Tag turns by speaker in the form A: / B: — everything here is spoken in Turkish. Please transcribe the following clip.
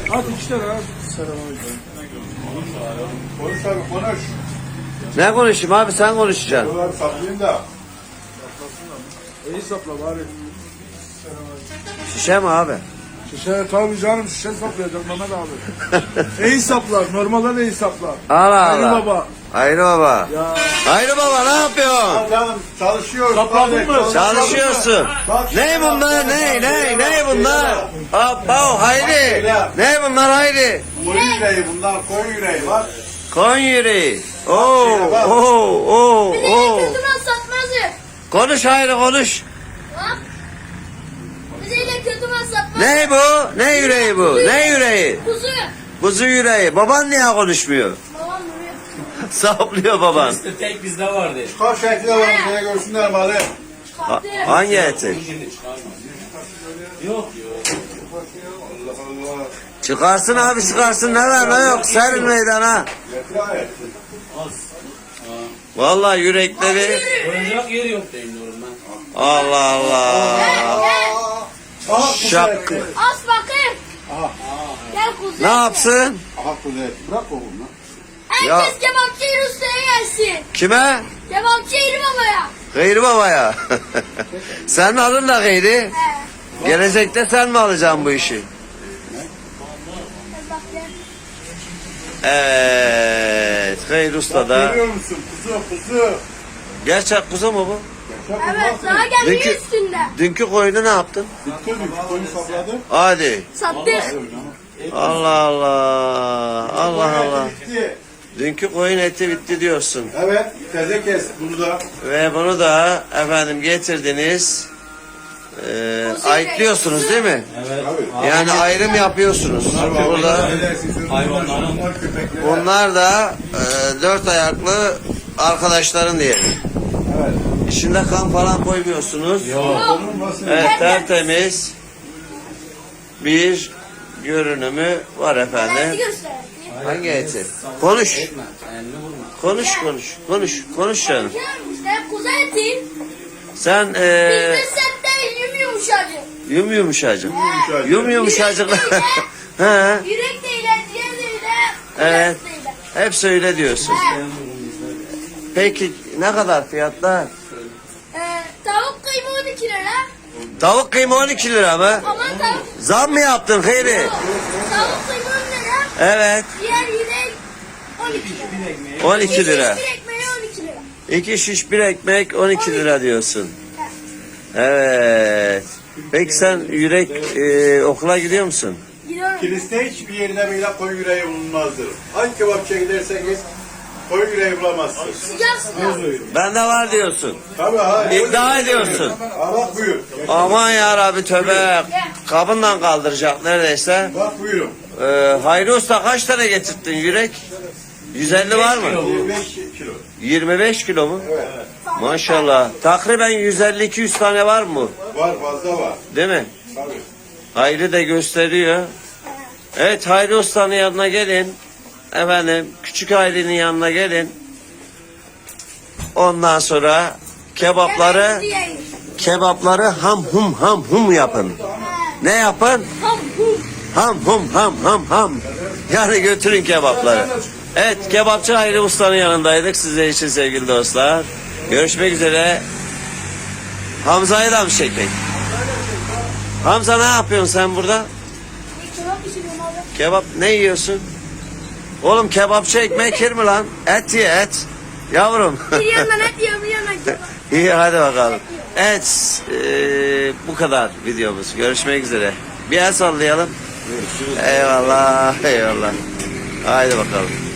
A: At 2 tane at. Selamünaleyküm.
B: Konuş abi konuş.
C: Ne konuşayım abi, sen konuşacaksın.
B: Dolar saplayayım da.
A: İyi sapla bari.
C: Şişe mi abi?
A: Şişe tabii canım, şişe saplayacak Mehmet abi. İyi saplar, normalden iyi saplar.
C: Allah
A: Hayri
C: Allah.
A: baba.
C: Hayri baba.
A: Ya.
C: Hayri baba ne yapıyorsun?
B: Canım çalışıyoruz.
A: Sapladın mı?
C: Çalışıyorsun. Ne bunlar? Ne bunlar? Hoppa Hayri. Ne bunlar Hayri?
B: Koyun yüreği bunlar, koyun yüreği var.
C: Koyun yüreği. Oo.
D: Kötü mal satmazı.
C: Konuş Hayri konuş.
D: Bak. Bizeyle kötü mal satmaz.
C: Ne bu? Ne yüreği bu? Ne yüreği?
D: Kuzu.
C: Kuzu yüreği. Baban niye konuşmuyor?
D: Babam vuruyor.
C: Saplıyor baban.
E: İşte tek bizde vardı.
B: Çıkar şekli var, şeye görsünler malı.
C: Ha-
D: Çıkarttı.
C: hangi eti?
E: Şimdi çıkarma. Yok.
B: Allah Allah.
C: Çıkarsın abi çıkarsın. Ne var ne yok. Serin meydana.
B: Yeter abi.
C: Vallahi yürekleri.
E: Koyacak yeri yok diyorum ben.
C: Allah Allah.
B: Aha
C: Şak.
B: kuzey.
D: As bakayım.
B: Aha.
D: Gel kuzu.
C: Ne yapsın?
B: Aha kuzey. Bırak oğlum lan.
C: Ya.
D: Herkes kebapçı Yeri Usta'ya gelsin.
C: Kime?
D: Kebapçı Yeri Baba'ya.
C: Gayri babaya. Senin adın da Gayri.
D: He.
C: Gelecekte sen mi alacaksın bu işi?
D: Gel bak gel.
C: Evet. Gayri Usta da.
B: Görüyor musun? Kuzu.
C: Gerçek kuzu mu bu?
D: Evet daha gelmiyor
C: Dünkü-
D: üstünde.
C: Dünkü koyunu ne yaptın?
B: Bitti mi? Koyun sapladı.
C: Hadi.
D: Sattık.
C: Allah Allah. Allah Allah.
B: Bitti.
C: Dünkü koyun eti bitti diyorsun.
B: Evet. Teze kes bunu da.
C: Ve bunu da efendim getirdiniz. Ayıklıyorsunuz değil mi?
E: Evet.
B: Abi.
C: Yani ayrım yapıyorsunuz. Burada
E: Hayvanların.
B: Köpekler.
C: bunlar da dört ayaklı arkadaşların diyelim.
B: Evet.
C: İçinde kan falan koymuyorsunuz.
B: Konulmasın.
C: Evet, tertemiz bir görünümü var
D: Hadi
C: efendim.
D: göster.
C: Hangi eti? Konuş.
E: Etme. Elini vurma.
C: Konuş canım.
D: İşte kuzu eti.
C: Sen
D: Bizde sette yum yumuşacık.
C: yumuşacık. He,
D: Yürek değil, ciğer değil,
C: evet.
D: kulak değil.
C: Hep söyle diyorsun. Peki ne kadar fiyatlar?
D: Tavuk kıyma 12 lira.
C: Tavuk kıyma 12 lira mı?
D: Ama tavuk,
C: Zam mı yaptın Hayri?
D: tavuk kıyma 10 lira.
C: Evet.
D: Diğer yürek 12 lira.
C: 12 lira.
D: Bir ekmeği 12 lira.
C: 2 şiş bir ekmek 12 lira diyorsun. Evet. Peki sen yürek okula gidiyor musun?
D: Gidiyorum.
B: Kiliste hiçbir yerine böyle koyun yüreği bulunmazdır. Hangi kebapçıya giderseniz koyun yüreği bulamazsınız.
D: Sıcak sıcak.
C: Bende var diyorsun.
B: Tabii ha.
C: İddia ediyorsun.
B: Ha bak buyur.
C: Aman ya Rabbi tövbe. Kabından kaldıracak neredeyse.
B: Bak buyurun.
C: Hayri Usta kaç tane getirttin yürek? 150 var mı?
B: 25 kilo.
C: 25 kilo mu?
B: Evet.
C: Maşallah. Takriben 150-200 tane var mı?
B: Var fazla var.
C: Değil mi?
B: Tabii.
C: Hayri de gösteriyor. Evet Hayri Usta'nın yanına gelin. Efendim küçük Hayri'nin yanına gelin. Ondan sonra kebapları ham hum yapın. Ne yapın? Ham. Yani götürün kebapları. Evet kebapçı Hayri Usta'nın yanındaydık sizler için sevgili dostlar. Görüşmek üzere. Hamza'yı da mı çekmek? Hamza ne yapıyorsun sen burada?
D: Kebap pişiriyorum abi.
C: Kebap ne yiyorsun? Oğlum kebapçı ekmek yer mi lan? Et ye et. Yavrum.
D: Bir yandan et yiyor, bir yandan kebap.
C: İyi hadi bakalım. Evet bu kadar videomuz. Görüşmek üzere. Bir el sallayalım. Eyvallah. Haydi bakalım.